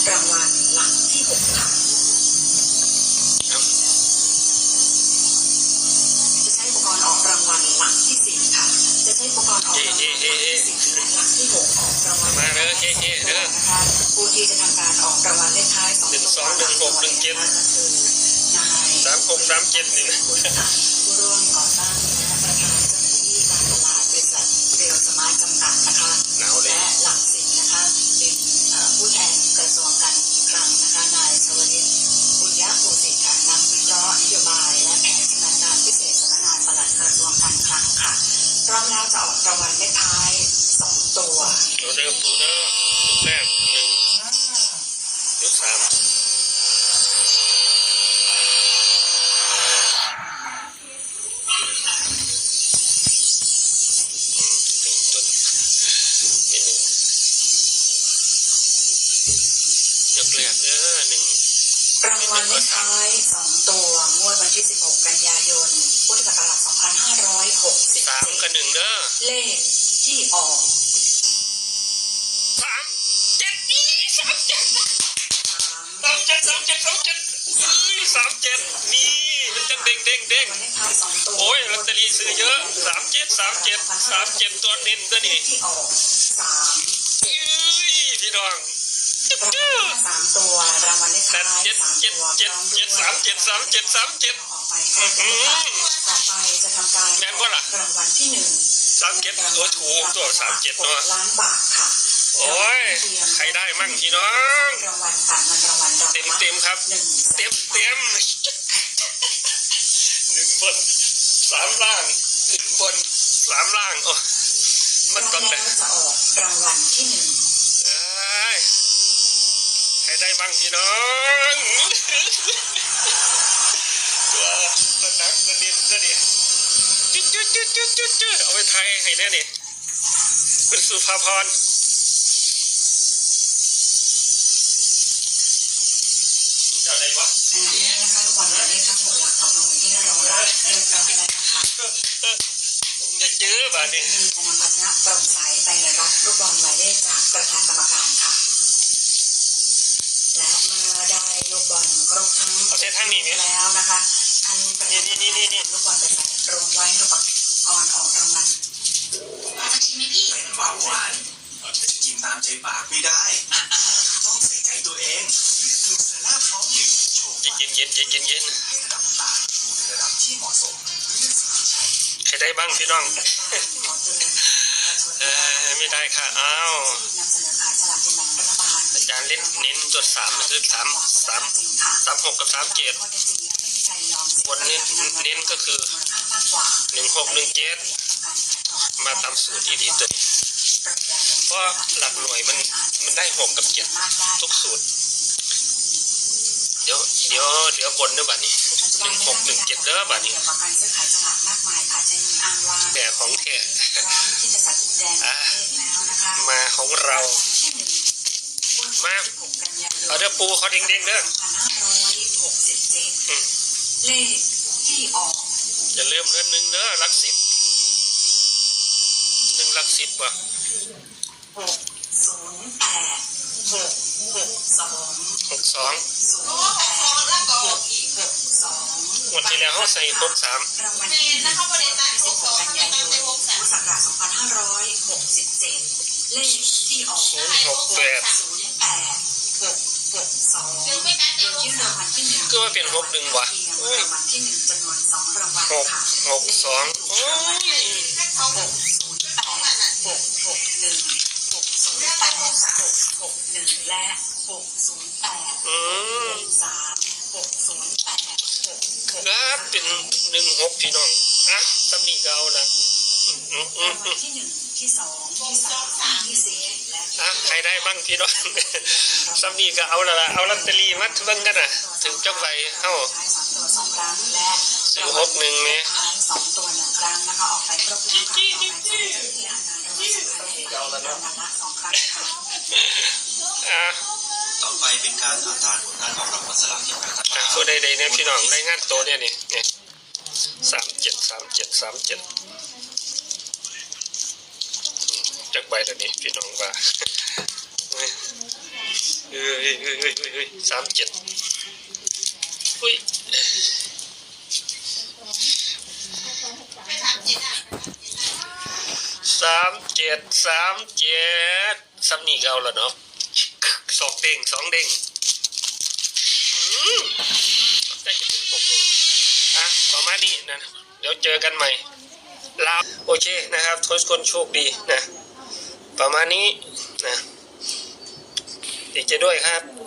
รางวัลหลักที่6ค่ะจะใช้อุปกรณ์ออกรางวัลหลักที่4ค่ะจะใช้อุปกรณ์ออกรางวัลหลักที่4และหลักที่6ออกรางวัลมาเด้อเด้อนะคะผู้ที่จะทำการออกรางวัลเลขท้าย2 ตัว 1216173637นี่นะผู้ร่วมก่อตั้งและประธานเจ้าหน้าที่การตลาดบริษัทเรียวสมาร์ทจำกัดนะคะและหลัก10นะคะเป็นผู้แทนกระทรวงการอีกครั้งนะคะนายชวลิตบุญยภูสิทธิ์ค่ะนักวิเคราะห์นโยบายและแผนชำนาญการพิเศษสำนักงานปลัดกระทรวงการคลังค่ะพร้อมแล้วจะออกรางวัลเลขท้าย2 ตัวตัวเดิมตัวแรก1ยก3 รางวัลเลขท้าย2 ตัวงวดวันที่16 กันยายนพุทธศักราช2567 3 กับ 1เด้อเลขที่ออก 37นี่นี่มันจะเด้งโอ้ยลอตเตอรี่ซื้อเยอะ37ตัวเน้นตัวนี้ที่ออกพี่น้อง 3 ตัวรางวัลเลขท้าย3 ตัว 7ออกไปต่อไปจะทำการรางวัลที่1ตัวถูกตัว37เนาะล้านบาทค่ะโอ้ยใครได้มั่งพี่น้องรางวัลค่ะเงินรางวัลเต็มครับเต็ม1บน3ล่าง1บน3ล่างโอ้มันต้องได้จะออกรางวัลที่1 ใครได้บ้างพี่น้องตัวนักตัวนิดตัวเดียวจุดเอาไปไทยให้แน่นี่เป็นสุภาพรอะไรวะอันนี้นะคะทุกวันเลขทั้ง6หลักตกลงที่เรารับเรียบร้อยแล้วนะคะจะเจอบ้านนี้จะนำภาชนะโปร่งใสไปรับลูกบอลหมายเลขจากประธานกรรมการค่ะและเมื่อได้ลูกบอลครบทั้งแล้วนะคะท่านประธานลูกบอลไปใส่รวมไว้ในอุปกรณ์ออกรางวัลจะชิมไหมพี่เป็นเบาหวานจะกินตามใจปากไม่ได้ต้องใส่ใจตัวเองเลือกดูเซร่าพร้อมดื่มโชว์เย็นให้ระดับต่างอยู่ในระดับที่เหมาะสมเลือกสิ่งที่ใช่ใครได้บ้างพี่น้องไม่ได้ค่ะอ้าวอาจารย์เล่นเน้นจุด3คือ36กับ37บนเน้นก็คือ1617มาตามสูตรดีตัวนี้เพราะหลักหน่วยมันได้6กับ7ทุกสูตรเดี๋ยวบนด้วยบัดนี้1617เด้อบัดนี้แต่ของแท้มาของเรามาเอาเด้อปูเขาเด้งเด้อเลขที่ออกอย่าลืมเด้อ1เด้อหลัก10 1หลัก10ว่ะ62หมดที่แล้วเขาใส่63 รางวัลที่16 กันยายนพุทธศักราช2567เลขที่ออก 068 ยื่นรางวัลที่1 ก็ว่าเป็น61ว่ะรางวัลที่1จำนวน2รางวัลค่ะ 62โอ้ยและครับเป็น16พี่น้องอ่ะตำหนิเก่านะที่1ที่2ที่3ที่4และใครได้บ้างพี่น้องตำหนิก็เอาละเอาลอตเตอรี่มาเบิ่งกันน่ะถึงจักใบเฮา 2 ครั้งและ 61แม่ 2 ตัว 1 ครั้งนะคะออกไปครบทุกครั้งต่อไปจะที่อ่านงานรางวัลสุดท้ายละ2 ครั้งค่ะต่อไปเป็นการอ่านตามผลการออกรางวัลสลากกินแบ่งรัฐบาลตัวใดๆเนี่ยพี่น้องได้งานโตเนี่ยนี่37จากใบตัวนี้พี่น้องว่า 37อุ้ย37ซ้ำนี่ก็เอาแล้วเนาะ2 เด้ง2 เด้งได้จะเป็น6 โมงประมาณนี้นะเดี๋ยวเจอกันใหม่ลาโอเคนะครับทุกคนโชคดีนะประมาณนี้นะดีใจด้วยครับ